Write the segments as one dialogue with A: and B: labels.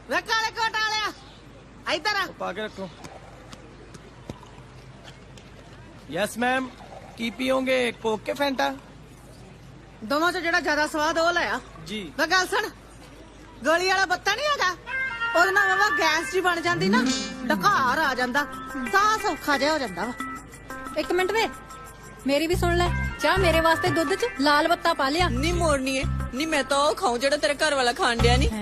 A: ਵੇ ਕਾਲੇ ਕੋਟ ਵਾਲਿਆ ਇੱਧਰ ਆ।
B: ਪਾ ਕੇ ਰੱਖੋ। Yes ma'am. ਕੀ ਪੀਓਗੇ, ਕੋਕ ਕੇ ਫੈਂਟਾ?
A: ਦੋਵਾਂ ਚ ਜਿਹੜਾ ਜ਼ਿਆਦਾ ਸਵਾਦ ਉਹ ਲਿਆ।
B: ਜੀ।
A: ਵੇ ਗੱਲ ਸੁਣ, ਗੋਲੀ ਵਾਲਾ ਬੱਤਾ ਨਹੀਂ ਹੈਗਾ, ਉਹਦੇ ਨਾਲ ਵਾ ਗੈਸ ਜੀ ਬਣ ਜਾਂਦੀ ਨਾ, ਢਕਾਰ ਆ ਜਾਂਦਾ, ਸਾਹ ਸੌਖਾ ਜਿਹਾ ਹੋ ਜਾਂਦਾ ਵਾ।
C: ਇੱਕ ਮਿੰਟ ਵੇ, ਮੇਰੀ ਵੀ ਸੁਣ ਲੈ। ਚਾਹ ਮੇਰੇ ਵਾਸਤੇ ਦੁੱਧ ਚ ਲਾਲ ਬੱਤਾ ਪਾ ਲਿਆ।
D: ਨੀ ਮੋੜਨੀ ਏ ਨੀ, ਮੈਂ ਤਾਂ ਉਹ ਖਾਉਂ ਜਿਹੜਾ ਤੇਰੇ ਘਰ ਵਾਲਾ ਖਾਣ ਡਿਆ ਨੀ।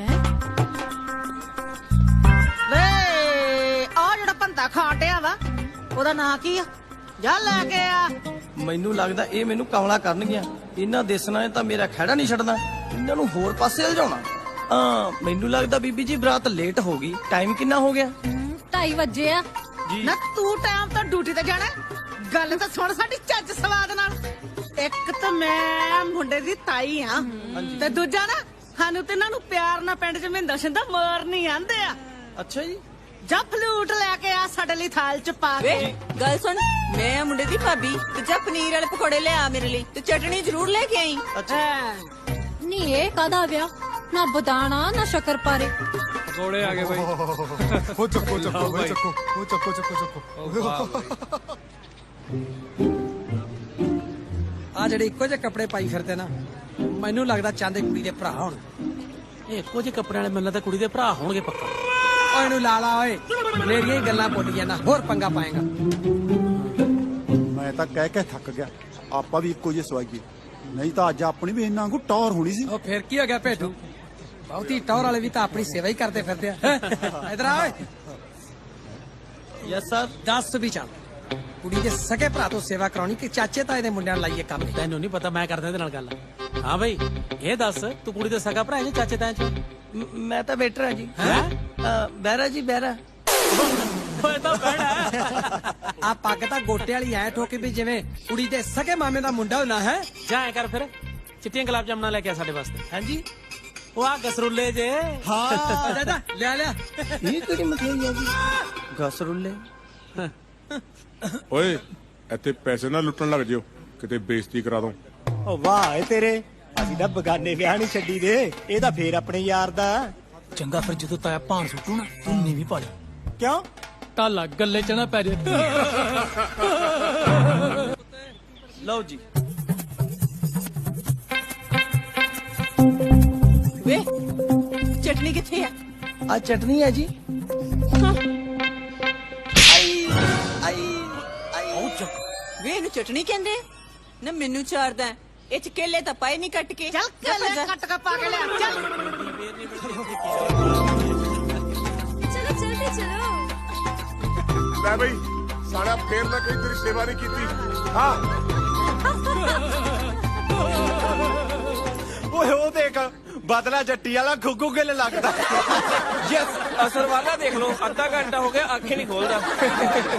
A: ਵੇ ਆ ਜਿਹੜਾ ਭੰਤਾ ਖਾਣ ਡਿਆ ਵਾ, ਉਹਦਾ ਨਾਂ ਕੀ ਆ? ਜਾ ਲੈ ਕੇ ਆ।
B: ਮੈਨੂੰ ਲੱਗਦਾ ਇਹ ਮੈਨੂੰ ਕਮਲਾ ਕਰਨਗੀਆਂ। ਇਹਨਾਂ ਦੇਸਣਾ ਨੇ ਤਾਂ ਮੇਰਾ ਖਹਿੜਾ ਨਹੀਂ ਛੱਡਣਾ, ਇਹਨਾਂ ਨੂੰ ਹੋਰ ਪਾਸੇ ਲਿਜਾਉਣਾ। ਮੈਨੂੰ ਲੱਗਦਾ ਬੀਬੀ ਜੀ ਬਰਾਤ ਲੇਟ ਹੋ ਗਈ। ਟਾਈਮ ਕਿੰਨਾ ਹੋ ਗਿਆ?
C: 2:30 ਵਜੇ ਆ।
B: ਜੀ।
A: ਨਾ ਤੂੰ ਟਾਈਮ ਤਾਂ ਡਿਊਟੀ ਤੇ ਜਾਣਾ, ਗੱਲ ਤਾਂ ਸੁਣ ਸਾਡੀ ਚੱਜ ਸਵਾਦ ਨਾਲ। ਇੱਕ ਤਾਂ ਮੈਂ ਮੁੰਡੇ ਦੀ ਤਾਈ ਆ, ਤੇ ਦੂਜਾ ਨਾ ਸਾਨੂੰ ਤੇ ਇਹਨਾਂ ਨੂੰ ਪਿਆਰ ਨਾਲ ਪਿੰਡ ਚ ਮਹਿੰਦਰ ਸਿੰਦਾ ਮਾਰਨੀ ਆਂਦੇ ਆ।
B: ਅੱਛਾ ਜੀ।
A: ਜਾ ਫਲੂਟ ਲੈ ਕੇ ਆ ਸਾਡੇ ਲਈ ਥਾਲ ਚ ਪਾ
D: ਵੇ
A: ਕੇ।
D: ਗੱਲ ਸੁਣ, ਮੈਂ ਆ ਮੁੰਡੇ ਦੀ ਭਾਬੀ, ਤੇ ਜਾ ਪਨੀਰ ਵਾਲੇ ਪਕੌੜੇ ਲਿਆ ਮੇਰੇ ਲਈ, ਤੇ ਚਟਣੀ ਜ਼ਰੂਰ ਲੈ ਕੇ ਆਈ।
A: ਹਾਂ।
C: ਨੀ ਇਹ ਕਾਦਾ ਵਿਆਹ, ਨਾ ਬਦਾਣਾ ਨਾ ਸ਼ੱਕਰ ਪਾਰੇ।
E: ਪਕੌੜੇ ਆ ਗਏ ਬਾਈ।
F: ਉਹ ਚੱਕੋ ਚੱਕੋ ਬਈ, ਚੱਕੋ ਉਹ ਚੱਕੋ ਚੱਕੋ
E: ਆ ਜਿਹੜੇ ਇੱਕੋ ਜਿਹੇ ਕੱਪੜੇ ਪਾਈ ਫਿਰਦੇ ਨਾ, ਮੈਨੂੰ ਲੱਗਦਾ ਚਾਹੁੰਦੇ ਕੁੜੀ ਦੇ ਭਰਾ ਹੋਣ।
G: ਇਹ ਇੱਕੋ ਜਿਹੇ ਕੱਪੜਿਆਂ ਵਾਲੇ ਮੈਨੂੰ ਤਾਂ ਕੁੜੀ ਦੇ ਭਰਾ ਹੋਣਗੇ ਪੱਕਾ।
E: ਓਏ ਇਹਨੂੰ ਲਾ ਲਾ ਓਏ, ਮੇਰੀਆਂ ਹੀ ਗੱਲਾਂ ਭੁੱਲ ਗਿਆ ਨਾ, ਹੋਰ ਪੰਗਾ ਪਾਏਗਾ।
F: ਮੈਂ ਤਾਂ ਕਹਿ ਕੇ ਥੱਕ ਗਿਆ, ਆਪਾਂ ਵੀ ਇੱਕੋ ਜਿਹੇ ਸਵਾਈਏ, ਨਹੀਂ ਤਾਂ ਅੱਜ ਆਪਣੀ ਵੀ ਇੰਨਾ ਕੋ ਟੌਰ ਹੋਣੀ ਸੀ।
E: ਉਹ ਫਿਰ ਕੀ ਹੋ ਗਿਆ ਭੇਟੂ, ਬਹੁਤੀ ਟੌਰ ਵਾਲੇ ਵੀ ਤਾਂ ਆਪਣੀ ਸੇਵਾ ਹੀ ਕਰਦੇ ਫਿਰਦੇ ਆ। ਇਧਰ ਆ ਓਏ,
B: ਯੈਸ ਸਰ।
E: ਦੱਸ ਵੀ ਚੱਲ, ਕੁੜੀ ਦੇ ਸਕੇ ਭਰਾ ਤੋਂ ਸੇਵਾ ਕਰਾਉਣੀ ਕਿ ਚਾਚੇ ਤਾਏ ਦੇ ਮੁੰਡਿਆਂ ਨੂੰ ਲਾਈਏ ਕੰਮ?
G: ਤੈਨੂੰ ਨਹੀਂ ਪਤਾ, ਮੈਂ ਕਰਦਾ ਇਹਦੇ ਨਾਲ ਗੱਲ। ਹਾਂ ਬਈ ਇਹ ਦੱਸ, ਤੂੰ ਕੁੜੀ ਦਾ ਸਗਾ ਭਰਾ ਹੈ ਜਾਂ ਚਾਚੇ ਤਾਏ ਚ?
B: ਮੈਂ ਤਾਂ ਵੇਟਰ ਹਾਂ ਜੀ।
G: ਹੈਂ?
B: ਬਹਿਰਾ ਜੀ ਬਹਿਰਾ।
G: ਓਏ ਤਾਂ ਭੈਣਾ,
E: ਆ ਪੱਗ ਤਾਂ ਗੋਟੇ ਵਾਲੀ ਐ ਠੋਕੀ ਵੀ ਜਿਵੇਂ ਕੁੜੀ ਦੇ ਸਕੇ ਮਾਮੇ ਦਾ ਮੁੰਡਾ ਹੋਣਾ ਹੈ।
G: ਜਾ ਐ ਕਰ ਫਿਰ, ਚਿੱਟੀਆਂ ਗੁਲਾਬ ਜਾਮਣਾ ਲੈ ਕੇ ਆ ਸਾਡੇ ਵਾਸਤੇ।
B: ਹਾਂਜੀ।
G: ਉਹ ਆ ਗਸਰੁੱਲੇ ਜੇ।
E: ਹਾਂ ਦਾਦਾ ਲਿਆ ਲਿਆ।
B: ਇਹ ਕਿਹੜੀ ਮਠਿਆਈ ਆ ਜੀ? ਗਸਰੁੱਲੇ।
H: ਓਏ ਇੱਥੇ ਪੈਸੇ ਨਾ ਲੁੱਟਣ ਲੱਗ ਜਿਓ, ਕਿਤੇ ਬੇਇੱਜ਼ਤੀ ਕਰਾ ਦੋ।
I: ਓ ਵਾਹ ਏ ਤੇਰੇ, ਅਸੀਂ ਤਾਂ ਬਗਾਨੇ ਵਿਆਹ ਨਹੀਂ ਛੱਡੀ ਦੇ, ਇਹ ਤਾਂ ਫੇਰ ਆਪਣੇ ਯਾਰ ਦਾ।
G: ਚੰਗਾ ਫਿਰ ਜਦੋਂ ਤਾਇਆ ਭਾਣ ਸੁੱਟੂ ਨਾ, ਤੂੰ ਨੀਵੀਂ ਪਾ ਲਈ।
I: ਕਿਉਂ?
G: ਟਾਲਾ ਗੱਲੇ ਚ ਨਾ ਪੈ ਜੇ।
B: ਲਓ ਜੀ।
D: ਵੇ ਚਟਨੀ ਕਿੱਥੇ ਆ?
B: ਆ ਚਟਨੀ ਹੈ ਜੀ।
D: ਵੇ ਇਹਨੂੰ ਚਟਣੀ ਕਹਿੰਦੇ ਆ? ਨਾ ਮੈਨੂੰ ਚਾਰਦਾ, ਇਹ ਚ ਕੇਲੇ ਤਾਂ ਪਾਏ ਨਹੀਂ ਕੱਟ ਕੇ।
A: ਚੱਲ ਕੱਲੇ ਕੱਟ ਕੇ ਪਾ ਕੇ ਲਿਆ। ਚੱਲ
C: ਚਲੋ ਜਲਦੀ ਚਲੋ।
H: ਲੈ ਬਈ ਸਾਲਿਆ, ਫੇਰ ਨਾ ਕਹੀਂ ਤੇਰੀ ਸੇਵਾ ਨਹੀਂ ਕੀਤੀ। ਹਾਂ
I: ਓਏ ਉਹ ਦੇਖ, ਬਦਲਾ ਜੱਟੀ ਵਾਲਾ ਗੁੱਗੂ ਗਿੱਲ ਲੱਗਦਾ।
B: ਯੈਸ। ਅਸਰ ਵਾਲਾ ਦੇਖ ਲਓ, ਅੱਧਾ ਘੰਟਾ ਹੋ ਗਿਆ ਅੱਖ ਹੀ ਨਹੀਂ ਖੋਲਦਾ।